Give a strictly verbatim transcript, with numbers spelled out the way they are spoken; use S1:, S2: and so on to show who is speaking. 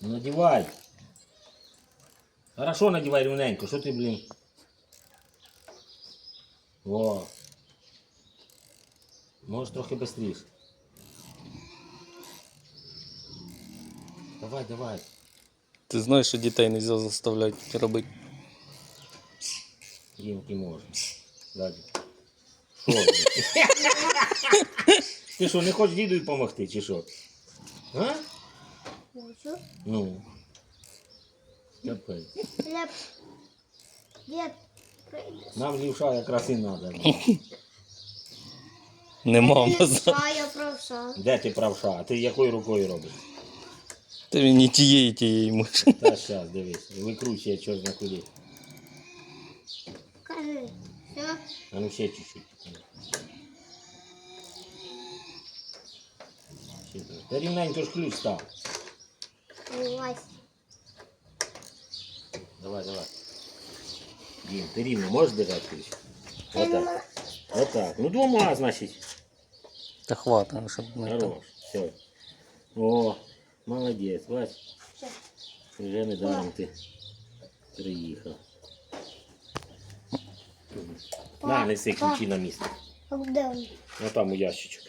S1: Ну, надівай. Хорошо надівай рівненько, що ти, блін? О. Можеш трохи швидше. Давай, давай.
S2: Ти знаєш, що дітей не можна заставляти робити.
S1: Дімки може. Далі. Що? Блін? Ти що, не хочеш діду допомогти, чи що? А?
S3: Хочу.
S1: Ну. Капець.
S3: Хлеб. Дед, прийдеш.
S1: Нам лівша якраз і треба.
S2: Не мама.
S3: А я правша.
S1: Де ти правша? А ти якою рукою робиш?
S2: Ти мені тієї тієї можеш.
S1: Та щас, дивись. Викручує чорт на куди.
S3: Кажи. Все.
S1: А ну ще чуть-чуть. Ще так. Та рівненько ж ключ став.
S3: Вилазь.
S1: Давай, давай. Дім, ти рівно можеш держати ключ? Отак. Отак. Ну двома, значить.
S2: Та хватить, щоб не так.
S1: Хорош. Все. О, молодець, бач.
S3: Все.
S1: Вже недаром ти приїхав. На, неси ключі на місце.
S3: А де він?
S1: Ну там у ящичку.